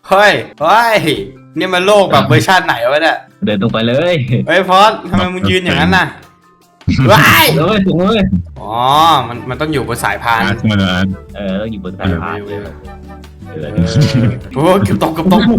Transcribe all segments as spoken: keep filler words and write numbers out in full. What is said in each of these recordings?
เฮ้ยเฮ้ยนี่มันโลกแบบเวอร์ชันไหนวะเนี่ยเดินตรงไปเลยเฮ้ยพอดทำไมมึงยืนอย่างนั้นน่ะว้ายเลยถูกเลยอ๋อมันมันต้องอยู่บนสายพานอาร์ตมาแล้วอาร์ตเออแล้วอยู่บนสายพานเออเออโอ้เกือบตกเกือบตก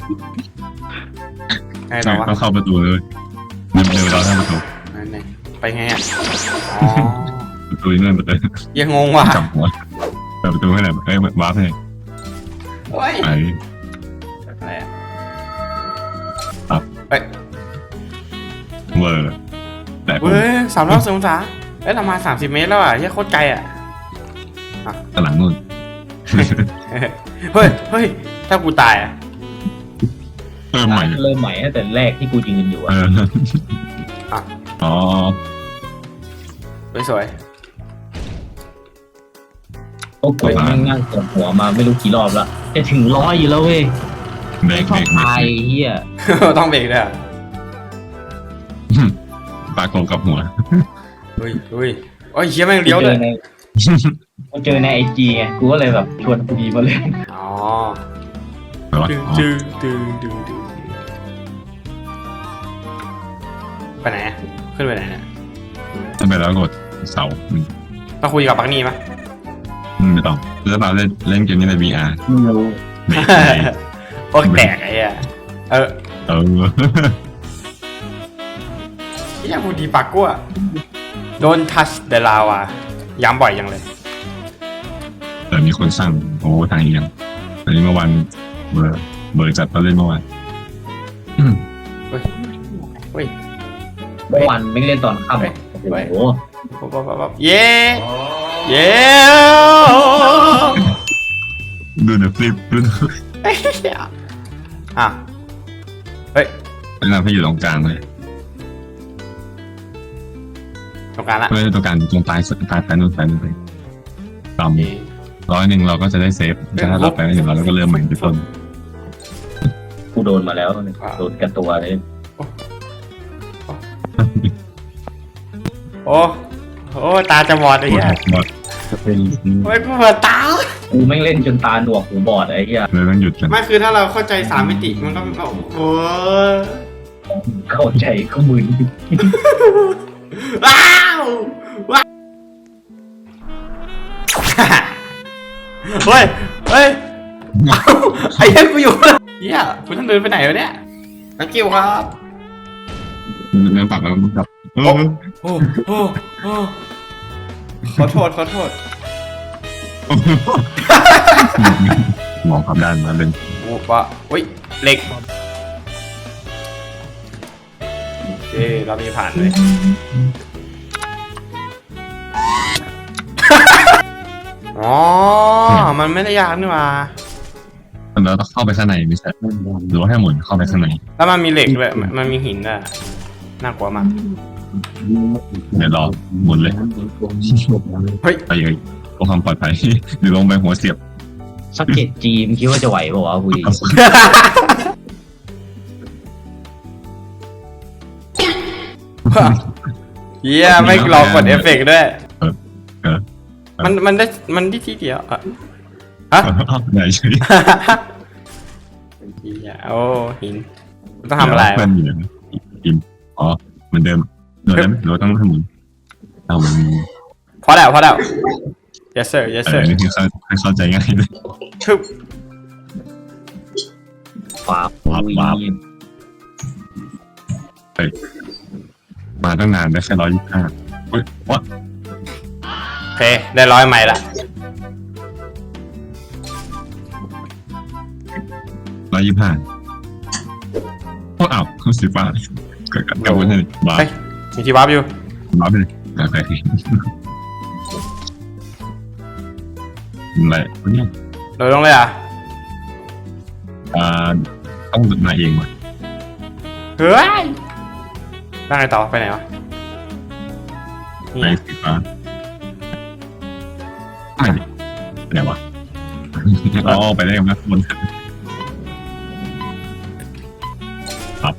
ไงต่ใช่อวะต้องเข้าประตูเลยเดินเดินเราเข้าประตูนั่นไงไปไงอ่ะอ๋อประตูนี่นั่นประตูยังงงว่ะจับหัวเปิดประตูให้หน่อยเอ้ยวาร์ปให้โอ้ยไปอะไรอ่ะครับเฮ้ยเวอร์แต่ผมเฮ้ยสามร้อยสิบองศาเอ้ยเรามาสามสิบเมตรแล้วอ่ะเฮียโคตรไกลอ่ะตหลังนู่นเฮ้ยเฮ้ยถ้ากูตายอ่ะเพิ่มใหม่เริ่มใหม่ตั้งแต่แรกที่กูยืนอยู่เออะออ๋อสวยโอ้โหแม่งนั่งกดหัวมาไม่รู้กี่รอบแล้วจะถึงร้อยอยู่แล้วเว้ยเบรไม่กชเบอรบกเบรตายกเฮียๆ ต้องเบรกด้วยอ่ะปากโกงกับหัวเฮ้ยเฮ้ยโอ้ยเฮียแม่งเลี้ยวเลยกูเจอในไอจีไงกูก็เลยแบบชวนกูดีมาเล่นอ๋อแต่ว่าดึงอ๋อดึงดึงดึงดึงไปไหนอะขึ้นไปไหนเนี่ยถ้าไปแล้วกดเสาอืมต้องคุยกับปักนี่ปะอืมไม่ต้องแล้วเราเล่นเล่นเกมนี้ใน วี อาร์ไม่รู้เบรกโอ้แตกไอ้เหี้ยเออเออเฮียพูดดีปากกูอะโดนทัชเดลาวาย้ำบ่อยยังเลยแต่มีคนสั่งโอ้ทางเอียงอันนี้เมื่อวันเบอร์เบอร์จัดมาเล่นเมื่อวานอืมเฮ้ยเฮ้ยเมื่อวันไม่เล่นตอนค่ำอะโอ้โหปั๊บปั๊บปั๊บปั๊บเย้เย้ดูเดอะฟลิปดูเดอะอ่ะเฮ้ยแนะนำให้อยู่ตรงกลางเลยตรงกลางละเพื่อตรงกลางตรงปลายสุดปลายปลายนู่นปลายนู่นไปต่ำร้อยหนึ่งเราก็จะได้เซฟแต่ถ้าเราไปไม่ถึงเราก็เริ่มใหม่ที่ต้นกูโดนมาแล้วโดนกันตัวเลยโอ้โอ้ตาจะบอดไอ้เหี้ยหมดจะเป็นโอ้ยกูเปิดตากูแม่งเล่นจนตาหนวกหูบอดไอ้เหี้ยเลยต้องหยุดกันไม่คือถ้าเราเข้าใจสามมิติมันก็โอ้ยเข้าใจก็มึนว้าวว้าวเฮ้ยเฮ้ยไอ้เหี้ยกูอยู่เหี้ยกูต้องเดินไปไหนวะเนี่ยนักกิ้วครับเนื้อปากแล้วมันกับเออโอ้โอ้โอ้ขอโทษขอโทษมองขับด้านมาเป็นโอ้ปะอุ้ยเหล็กเอ้เรามีผ่านเลยอ๋อมันไม่ได้ยากนี่หว่าเราต้องเข้าไปข้างในไม่ใช่หรือว่าให้หมุนเข้าไปข้างในแล้วมันมีเหล็กด้วยมันมันมีหินด้วยน่ากลัวมากเดี๋ยวรอหมุนเลยเฮ้ยไปเลยเพื่อความปลอดภัยหรือลงไปหัวเสียบสักเก็ตจีมคิดว่าจะไหวเปล่าวะคุยเฮียไม่รอกดเอฟเฟกต์ด้วยเออมันมันได้มันที่ที่เดียวอะฮะไหนใช่เฮียโอ้หินต้องทำอะไรเพื่อนอยู่นะอิมอ๋อเหมือนเดิมโดนได้ไหมหรือว่าต้องให้หมุนเอามันพอแล้วพอแล้ว yes sir yes เอ sir อนี่คือเข้าให้เข้าใจง่ายเลยทึบฟ้าว้าวว้าว มาตั้งนานได้แค่ร้อยยี่สิบห้าเฮ้ยวัดโอเคได้ร้อยไม้ละร้อยยี่สิบห้าโอ้อ้าวเขาสีฟ้ากับกับวุ้นนี่บ้าเฮ้ยมีที่วาร์ปอยู่บ้าไปเลยโอเคอะไรวะเนี่ยโดดลงเลยอ่ะอ่าต้องมาเองว่ะเฮ้ยนั่งไงต่อไปไหนวะนี่ไปสีฟ้าไม่ดิไปไหนวะอ๋อไปได้กันนะบนครับ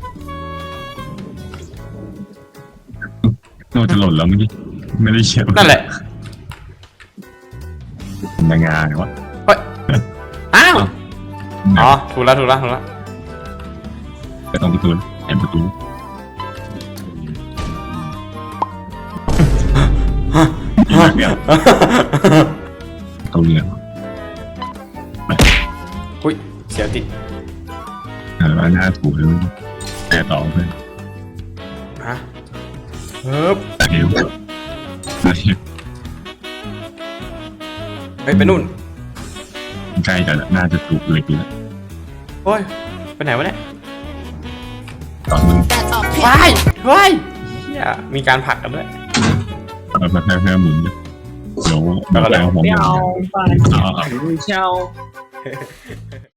โน่จะหล่นแล้วเมื่อกี้ไม่ได้เชียร์นั่นแหละนางงาเนี่ยวะเฮ้ยอ้าวออ๋อถูกแล้วถูกแล้วถูกแล้วก็ต้องประตูแอบประตูเดี๋ยวเขาเรียกอุ้ยเสียวติดเออหน้าถูเลยแต่ต่อเพื่อนฮะเฮ้ยตาเดียวตาเดียวเฮ้ยไปนู่นใกล้จะน่าจะถูกเลยกูแล้วโอ้ยไปไหนวะเนี่ยตอนนู้นว้ายว้ายเฮียมีการผลักกันด้วยเอามาแค่แค่หมุนเดี๋ยวเดี๋ยวเอาหัวหมุนไม่เอาไปเอาเอาไม่เช่า